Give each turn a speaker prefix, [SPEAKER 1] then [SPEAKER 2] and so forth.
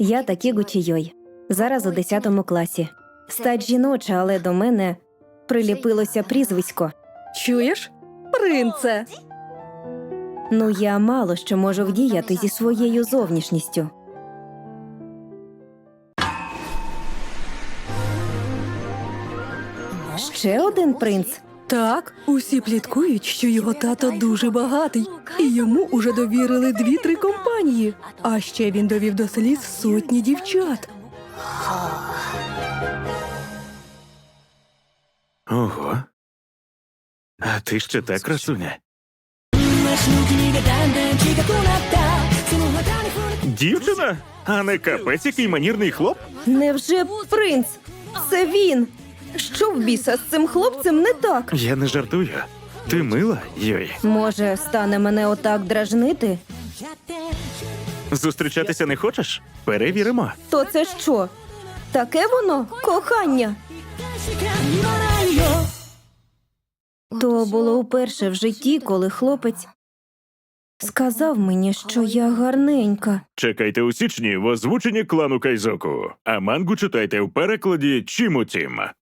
[SPEAKER 1] Я Такіго Чійой. Зараз у 10 класі. Стать жіноча, але до мене приліпилося прізвисько.
[SPEAKER 2] Чуєш? Принце!
[SPEAKER 1] Ну, я мало що можу вдіяти зі своєю зовнішністю. Ще один принц?
[SPEAKER 2] Так, усі пліткують, що його тато дуже багатий, і йому уже довірили 2-3 компанії. А ще він довів до сліз сотні дівчат.
[SPEAKER 3] Ого. А ти ще та красуня. Дівчина? А не капець, який манірний хлоп?
[SPEAKER 1] Невже принц? Це він! Що в біса з цим хлопцем не так?
[SPEAKER 3] Я не жартую. Ти мила, Йой.
[SPEAKER 1] Може, стане мене отак дражнити?
[SPEAKER 3] Зустрічатися не хочеш? Перевіримо.
[SPEAKER 1] То це що? Таке воно? Кохання? То було вперше в житті, коли хлопець сказав мені, що я гарненька.
[SPEAKER 3] Чекайте у січні в озвученні клану Кайзоку, а мангу читайте в перекладі Чімутім.